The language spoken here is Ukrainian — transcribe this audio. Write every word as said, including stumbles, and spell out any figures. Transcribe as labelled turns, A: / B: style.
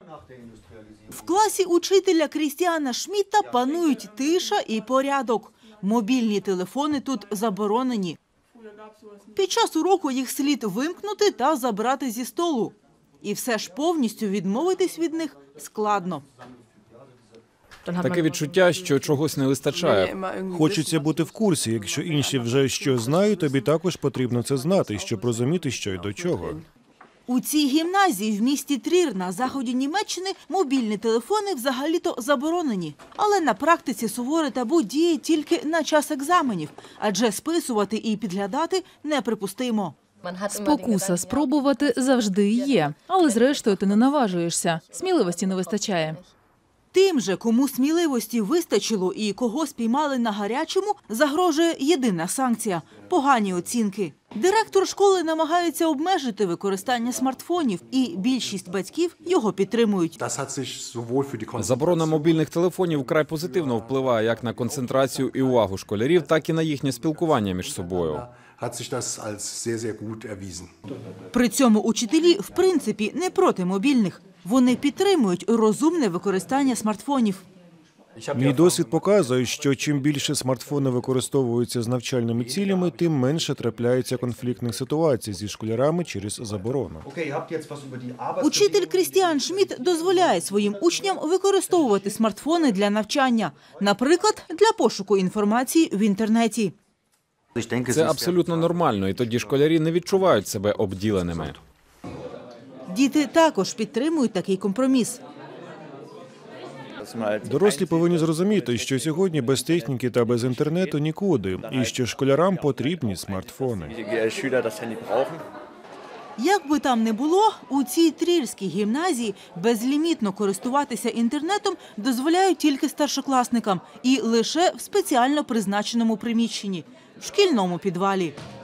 A: В класі учителя Крістіана Шмідта панують тиша і порядок. Мобільні телефони тут заборонені. Під час уроку їх слід вимкнути та забрати зі столу. І все ж повністю відмовитись від них складно.
B: Таке відчуття, що чогось не вистачає.
C: Хочеться бути в курсі. Якщо інші вже щось знають, тобі також потрібно це знати, щоб розуміти, що й до чого.
A: У цій гімназії в місті Трір на заході Німеччини мобільні телефони взагалі-то заборонені. Але на практиці суворе табу діє тільки на час екзаменів, адже списувати і підглядати неприпустимо.
D: Спокуса спробувати завжди є, але зрештою ти не наважуєшся. Сміливості не вистачає.
A: Тим же, кому сміливості вистачило і кого спіймали на гарячому, загрожує єдина санкція – погані оцінки. Директор школи намагається обмежити використання смартфонів, і більшість батьків його підтримують.
B: Заборона мобільних телефонів вкрай позитивно впливає як на концентрацію і увагу школярів, так і на їхнє спілкування між собою.
A: При цьому учителі, в принципі, не проти мобільних. Вони підтримують розумне використання смартфонів.
C: Мій досвід показує, що чим більше смартфони використовуються з навчальними цілями, тим менше трапляється конфліктних ситуацій зі школярами через заборону.
A: Учитель Крістіан Шмідт дозволяє своїм учням використовувати смартфони для навчання, наприклад, для пошуку інформації в інтернеті.
B: Це абсолютно нормально, і тоді школярі не відчувають себе обділеними.
A: Діти також підтримують такий компроміс.
C: Дорослі повинні зрозуміти, що сьогодні без техніки та без інтернету нікуди, і що школярам потрібні смартфони.
A: Як би там не було, у цій трірській гімназії безлімітно користуватися інтернетом дозволяють тільки старшокласникам і лише в спеціально призначеному приміщенні – в шкільному підвалі.